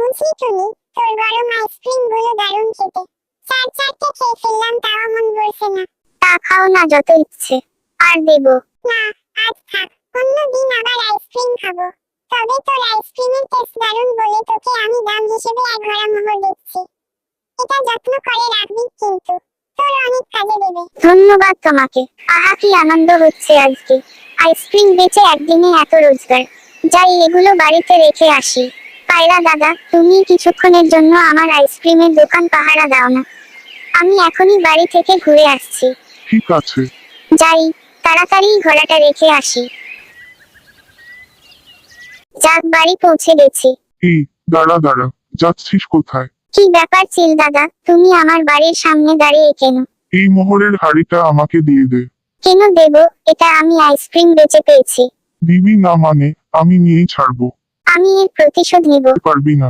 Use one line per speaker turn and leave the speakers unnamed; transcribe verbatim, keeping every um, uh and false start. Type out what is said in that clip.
বুঝলি টুনি, তোর গরম আইসক্রিম গুলো দারুণ খেতে। চার চারটে খেয়ে ফেললাম, তাও মন ভরছে না।
তা খাও না যত ইচ্ছে, আর দেবো।
না, আজ থাক, অন্যদিন আবার আইসক্রিম খাবো। তবে তোর আইসক্রিমের টেস্ট দারুণ বলে তোকে আমি দাম হিসেবে এক ভরা মোহর দিচ্ছি। এটা যত্ন করে রাখবি কিন্তু, তোর অনেক কাজে দেবে।
ধন্যবাদ তোমাকে। আহা কি আনন্দ হচ্ছে আজকে, আইসক্রিম বেচে একদিনে এত রোজগার। যাই এগুলো বাড়িতে রেখে আসি। পায়রা দাদা, তুমি কিছুক্ষণের জন্য আমার আইসক্রিমের দোকান পাহারা দাও না, আমি এখনই বাড়ি থেকে ঘুরে আসছি।
ঠিক আছে।
যাই, তাড়াতাড়ি ঘোড়াটা রেখে আসি। যাক, বাড়ি পৌঁছে গেছি।
এই দাঁড়া দাঁড়া, যাচ্ছিস কোথায়?
কি ব্যাপার চিল দাদা, তুমি আমার বাড়ির সামনে দাঁড়িয়ে কেন?
এই মোহরের হাড়িটা আমাকে দিয়ে দে।
কেন দেব? এটা আমি আইসক্রিম বেচে পেয়েছি।
দিবি না মানে আমি নিয়েই ছাড়বো।
আমি এর প্রতিশোধ নিব।
পারবি না।